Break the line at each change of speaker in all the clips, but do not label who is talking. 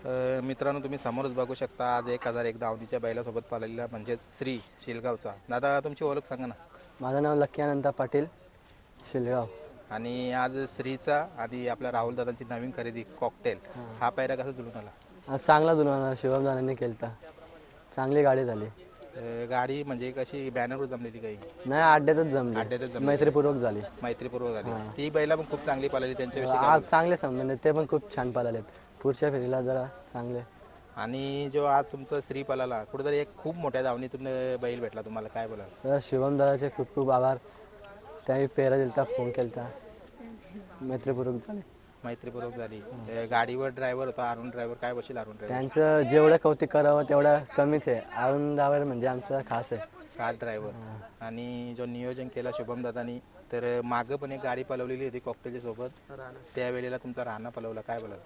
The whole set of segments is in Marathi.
मित्रांनो, तुम्ही समोरच बघू शकता आज 1001 दावणीच्या बैलासोबत पाळलेला म्हणजेच श्री शिलगावचा. दादा, तुमची ओळख सांगा ना.
माझं नाव लक्की अनंत पाटील, शिलगाव.
आणि आज श्रीचा आणि आपल्या राहुल दादांची नवीन खरेदी कॉकटेल, हा पायरा कसा जुळून आला?
आज चांगला जुळवणार शिवम दादांनी केलता. चांगली गाडी झाली.
गाडी म्हणजे कशी बॅनरवर जमलेली काही?
नाही, अड्ड्यातच जमली, मैत्रीपूर्वक झाली.
मैत्रीपूर्वक झाली. ती बैला पण खूप चांगली पाळली त्यांच्याविषयी
आज चांगले संबंध आहेत, ते पण खूप छान पळालेत. पुढच्या फेरीला जरा चांगले.
आणि जो आज तुमचा श्री पळाला, कुठेतरी एक खूप मोठ्या दावणीतून बैल भेटला तुम्हाला, काय बोला?
तर शिवम दादाचे खूप खूप आभार. त्याही पेरा दिलता, फोन केलता, मैत्रीपूर्वक झाले.
मैत्रीपूर्वक झाली. गाडीवर ड्रायव्हर होता अरुण ड्रायव्हर, काय बसेल अरुण ड्रायव्हर?
त्यांचं जेवढं कौतुक करावं तेवढं कमीच आहे. अरुण दावर म्हणजे आमचा खास आहे.
Car driver. आणि जो नियोजन केला शुभम दादानी, तर मागं पण एक गाडी पलवलेली होती कॉकटेलच्या सोबत, त्यावेळेला तुमचा राणा पलवला, काय बोला?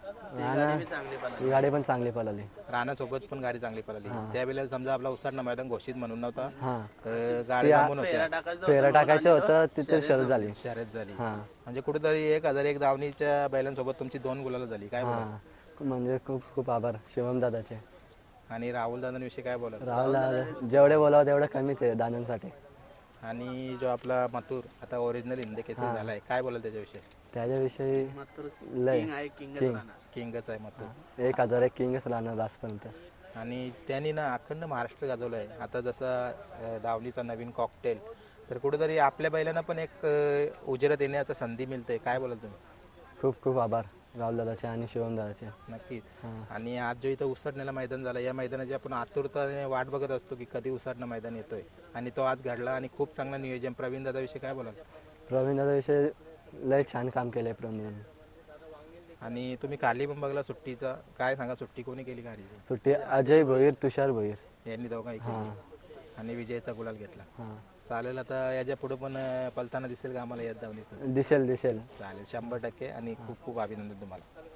ती गाडी पण चांगली पळाली.
राणा सोबत पण गाडी चांगली पळाली. त्यावेळेला समजा आपला उसाडणं मैदान घोषित म्हणून नव्हता,
हां,
गाडी थांबून होत्या,
पेरा टाकायचं होतं, तिथे शर्यत झाली.
शर्यत झाली.
हां,
म्हणजे कुठेतरी 1001 दावणीच्या बैलांसोबत तुमची 2 गुलाला झाली, काय बोला?
हां, म्हणजे खूप खूप आभार शिवम दादाचे.
आणि राहुल दादांविषयी काय बोला?
राहुल दादा जेवढे बोलावं तेवढं कमीच आहे दादांसाठी.
आणि जो आपला मथुर आता ओरिजिनल हिंद केसरी झालाय, काय बोलाल त्याच्याविषयी?
त्याच्याविषयी लय
किंगच आहे मथुर.
1001 किंगच राहणार आजपर्यंत.
आणि त्यांनी ना अखंड महाराष्ट्र गाजवलं आहे. आता जसा दावलीचा नवीन कॉकटेल, तर कुठेतरी आपल्या बैलांना पण एक उजेरात येण्याचा संधी मिळते, काय बोलाल तुम्ही?
खूप खूप आभार राहुल दादाचे आणि शिवम दादाचे.
नक्कीच. आणि आज जो इथं उसटण्याला मैदान झालं, या मैदानाची आपण आतुरताने वाट बघत असतो की कधी उसटणं मैदान येतोय, आणि तो आज घडला. आणि खूप चांगलं नियोजन. प्रवीण दादाविषयी काय बोलाल?
प्रवीण दादाविषयी लय छान काम केलंय प्रवीण दादांनी.
आणि तुम्ही खाली पण बघला सुट्टीचा, काय सांगा, सुट्टी कोणी केली गाडीची?
सुट्टी अजय भोईर, तुषार भोईर
यांनी दोघांनी केली. आणि विजयचा गुलाल घेतला.
हां,
चालेल. आता याच्या पुढे पण पलताना दिसेल का आम्हाला यात धावणीतून?
दिसेल.
चालेल, 100%. आणि खूप खूप अभिनंदन तुम्हाला.